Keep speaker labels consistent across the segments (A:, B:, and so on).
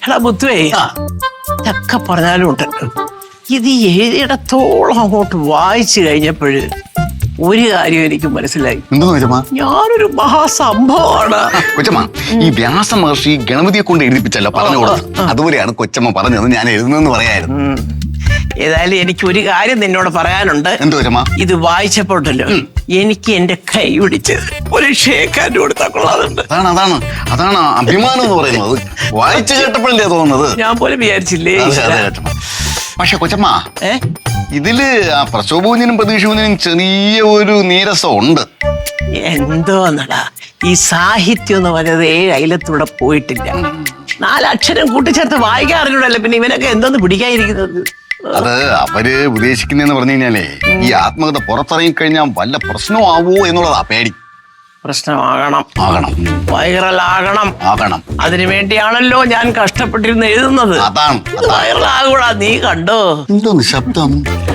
A: എടാ മുത്തുവേ, ഇതൊക്കെ പറഞ്ഞാലും ഉണ്ടല്ലോ, ഇത് എഴുതിയിടത്തോളം അങ്ങോട്ട് വായിച്ചു കഴിഞ്ഞപ്പോഴ് ഒരു കാര്യം എനിക്ക് മനസ്സിലായി. ഞാനൊരു മഹാസംഭവമാണ്
B: കൊച്ചമ്മ. ഈ വ്യാസ മഹർഷി ഗണപതിയെ കൊണ്ട് എഴുതിപ്പിച്ചല്ലോ പറഞ്ഞു കൊടുത്തത്, അതുപോലെയാണ് കൊച്ചമ്മ പറഞ്ഞത് ഞാൻ എഴുതുന്നെന്ന് പറയായിരുന്നു.
A: ഏതായാലും എനിക്ക് ഒരു കാര്യം നിന്നോട് പറയാനുണ്ട്.
B: എന്ത് കൊച്ചമ്മ?
A: ഇത് വായിച്ചപ്പോഴല്ലോ എനിക്ക് എന്റെ കൈ പിടിച്ച് ഒരു ഷേക്കാൻ്റെ കൊടുത്താൽ കൊള്ളാറുണ്ട്.
B: അതാണ് അഭിമാനം എന്ന് പറയുന്നത്. വായിച്ചു കേട്ടപ്പോഴല്ലേ തോന്നുന്നത്.
A: ഞാൻ പോലും വിചാരിച്ചില്ലേ.
B: പക്ഷെ കൊച്ചമ്മ, ഇതില് ആ പ്രശോഭൂഞ്ഞിനും പ്രതീക്ഷൂഞ്ഞിനും ചെറിയ ഒരു നീരസം ഉണ്ട്.
A: എന്തോന്നടാ ഈ സാഹിത്യം എന്ന് പറയുന്നത് 7 അയലത്തൂടെ പോയിട്ടില്ല. 4 അക്ഷരം കൂട്ടിച്ചേർത്ത് വായിക്കാറില്ലല്ലോ. പിന്നെ ഇവനൊക്കെ എന്തോന്ന് പിടിക്കാതിരിക്കുന്നത്?
B: അത് അവര് ഉദ്ദേശിക്കുന്നതെന്ന് പറഞ്ഞു കഴിഞ്ഞാലേ, ഈ ആത്മകഥ പുറത്തിറങ്ങി കഴിഞ്ഞാൽ വല്ല പ്രശ്നമാവോ എന്നുള്ളതാ പേടി.
A: പ്രശ്നമാകണം, വൈറലാകണം. അതിനു വേണ്ടിയാണല്ലോ ഞാൻ കഷ്ടപ്പെട്ടിരുന്ന് എഴുതുന്നത്.
B: അതാണ്
A: വൈറലാകൂടാ. നീ കണ്ടോ
B: എന്തോന്ന് ശബ്ദം?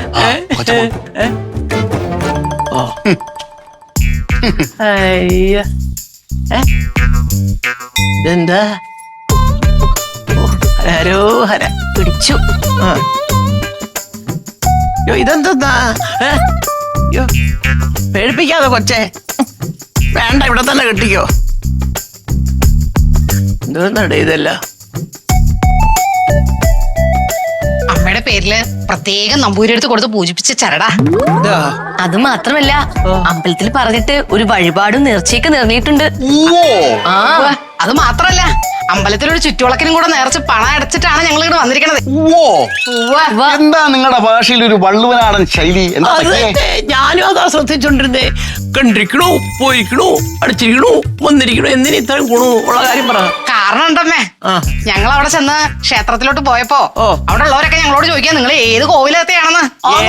A: ഇതെന്താ? ഹരോഹര പിടിച്ചു. ഇതെന്താ? പേടിപ്പിക്കാതെ കൊച്ചേ. വേണ്ട, ഇവിടെ തന്നെ കെട്ടിക്കോ. എന്തോന്നടേ ഇതല്ല?
C: അമ്മയുടെ പേരില് പ്രത്യേകം നമ്പൂരിയെടുത്ത് കൊടുത്ത് പൂജിപ്പിച്ച ചരടാ. അത് മാത്രമല്ല, അമ്പലത്തിൽ പറഞ്ഞിട്ട് ഒരു വഴിപാടും നേർച്ചയൊക്കെ നേർന്നിട്ടുണ്ട്. അത് മാത്രല്ല, അമ്പലത്തിലൊരു ചുറ്റുവിളക്കിനും കൂടെ നേർച്ച് പണം അടച്ചിട്ടാണ് ഞങ്ങൾ ഇവിടെ വന്നിരിക്കണത്.
B: എന്താ നിങ്ങളുടെ ഭാഷയിൽ ഒരു വള്ളുവനാടൻ ശൈലി?
A: ഞാനും അതാ ശ്രദ്ധിച്ചോണ്ടിരുന്നേ. കണ്ടിരിക്കണോ, പോയിരിക്കണോ, അടിച്ചിരിക്കണോ, വന്നിരിക്കണോ, എന്തിനു ഇത്രയും ഗുണോ ഉള്ള കാര്യം പറ.
C: കാരണം ഉണ്ടമ്മേ, ഞങ്ങൾ അവിടെ ചെന്ന് ക്ഷേത്രത്തിലോട്ട് പോയപ്പോ അവിടെ ഉള്ളവരൊക്കെ ഞങ്ങളോട് ചോദിക്കാൻ നിങ്ങൾ ഏത് കോവിലത്തെയാണെന്ന്.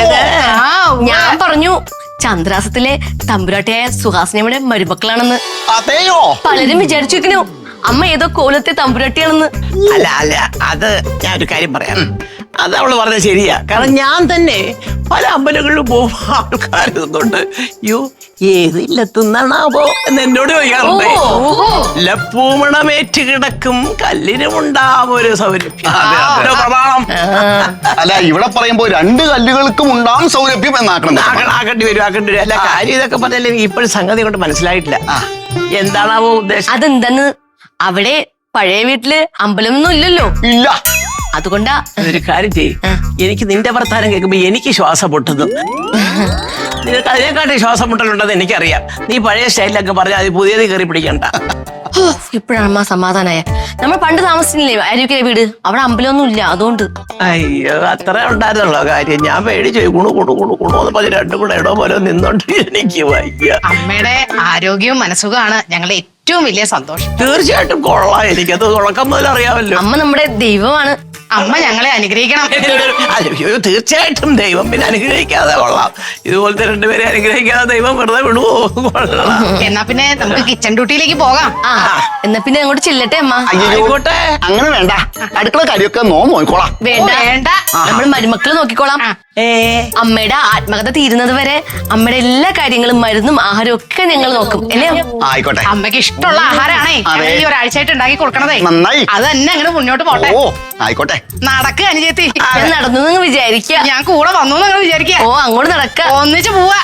C: ഞാൻ പറഞ്ഞു ചന്ദ്രാസത്തിലെ തമ്പുരാട്ടിയായ സുഹാസിനിയുടെ മരുമക്കളാണെന്ന്.
B: അതെയോ?
C: പലരും വിചാരിച്ചു അമ്മ ഏതോ കോലത്തെ തമ്പുരാട്ടിയാണെന്ന്.
A: അല്ല, അത് ഞാൻ ഒരു കാര്യം പറയാം. അത് അവള് പറഞ്ഞത് ശരിയാ. കാരണം ഞാൻ തന്നെ പല അമ്പലങ്ങളിലും പോകുമ്പോ ആൾക്കാരുന്നുണ്ട്, യോ ഏത് ഇല്ലത്തുന്നാണാവോ എന്ന് എന്നോട് ചോദിക്കാറുണ്ട്. ലപ്പൂമണമേറ്റ് കിടക്കും കല്ലിനുമുണ്ടാവും ഒരു സൗരഭ്യം. പ്രമാണം.
B: അല്ല, ഇവിടെ പറയുമ്പോ 2 കല്ലുകൾക്കും ഉണ്ടാവും സൗരഭ്യം
A: ആക്കേണ്ടി വരും. അല്ല, കാര്യം ഇതൊക്കെ പറഞ്ഞാൽ ഇപ്പോഴും സംഗതി കൊണ്ട് മനസ്സിലായിട്ടില്ല. എന്താണാവോ ഉദ്ദേശം?
C: അതെന്താന്ന്, അവിടെ പഴയ വീട്ടില് അമ്പലമൊന്നും ഇല്ലല്ലോ.
B: ഇല്ല.
A: അതുകൊണ്ടാ ഒരു കാര്യം ചെയ്യും. എനിക്ക് നിന്റെ വർത്താനം കേൾക്കുമ്പോ എനിക്ക് ശ്വാസം പൊട്ടുന്നു. നിനക്ക് അതിനെക്കാട്ടി ശ്വാസം മുട്ടലുണ്ടെന്ന് എനിക്കറിയാം. നീ പഴയ സ്റ്റൈലിലൊക്കെ പറഞ്ഞാൽ അത് പുതിയത് കയറി പിടിക്കണ്ട.
C: ഇപ്പോഴാണ് സമാധാനായ. നമ്മൾ പണ്ട് താമസിച്ചില്ലേ അരുവിക്കര വീട്, അവിടെ അമ്പലമൊന്നും ഇല്ല. അതുകൊണ്ട്
A: അയ്യോ, അത്ര ഉണ്ടായിരുന്നുള്ള കാര്യം. ഞാൻ പേടിച്ചു കുണു എന്ന് പറഞ്ഞ് 2 കൂടെ ഇടോ പോലെ നിന്നോണ്ട് എനിക്ക് വയ്യ.
C: അമ്മയുടെ ആരോഗ്യവും മനസ്സുഖമാണ് ഞങ്ങളുടെ ഏറ്റവും വലിയ സന്തോഷം.
A: തീർച്ചയായിട്ടും കൊള്ളാം. എനിക്കത് തുടക്കം മുതൽ അറിയാമല്ലോ.
C: അമ്മ നമ്മുടെ ദൈവമാണ്. അമ്മ ഞങ്ങളെ അനുഗ്രഹിക്കണം.
A: അയ്യോ, തീർച്ചയായിട്ടും ദൈവം പിന്നെ അനുഗ്രഹിക്കാതെ കൊള്ളാം. ഇതുപോലത്തെ 2 പേരെ അനുഗ്രഹിക്കാതെ ദൈവം വെറുതെ വിടുവോ?
C: എന്നാ പിന്നെ നമുക്ക് കിച്ചൺ ഡ്യൂട്ടിയിലേക്ക് പോകാം. എന്നാ പിന്നെ അങ്ങോട്ട് ചെല്ലട്ടെ അമ്മ.
A: ആയിക്കോട്ടെ.
B: അങ്ങനെ വേണ്ട, അടുക്കള കാര്യമൊക്കെ നോക്കിക്കോളാം.
C: വേണ്ട, നമ്മൾ മരുമക്കള് നോക്കിക്കോളാം. അമ്മയുടെ ആത്മകഥ തീരുന്നത് വരെ അമ്മയുടെ എല്ലാ കാര്യങ്ങളും മരുന്നും ആഹാരവും ഒക്കെ ഞങ്ങൾ നോക്കും. അല്ലേ?
B: ആയിക്കോട്ടെ.
C: അമ്മയ്ക്ക് ഇഷ്ടമുള്ള ആഹാരമാണേ ഈ ഒരാഴ്ചയായിട്ട് ഉണ്ടാക്കി കൊടുക്കണതേ.
B: നന്നായി.
C: അത് തന്നെ അങ്ങനെ മുന്നോട്ട് പോട്ടെ.
B: ആയിക്കോട്ടെ.
C: നടക്കുക അനുജത്തി. നടന്നു വിചാരിക്കുക. ഞാൻ കൂടെ വന്നു നിങ്ങൾ വിചാരിക്കുക. അങ്ങോട്ട് നടക്ക, ഒന്നിച്ച് പോവാ.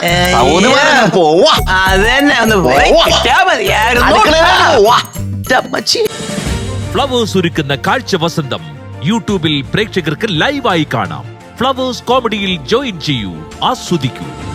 A: അത് തന്നെ ഒന്ന് പോയാ മതിയായിരുന്നു.
D: ഫ്ലവേഴ്സ് ഒരുക്കുന്ന കാഴ്ച വസന്തം യൂട്യൂബിൽ പ്രേക്ഷകർക്ക് ലൈവായി കാണാം. ഫ്ലവേഴ്സ് കോമഡിയിൽ ജോയിൻ ചെയ്യൂ, ആസ്വദിക്കൂ.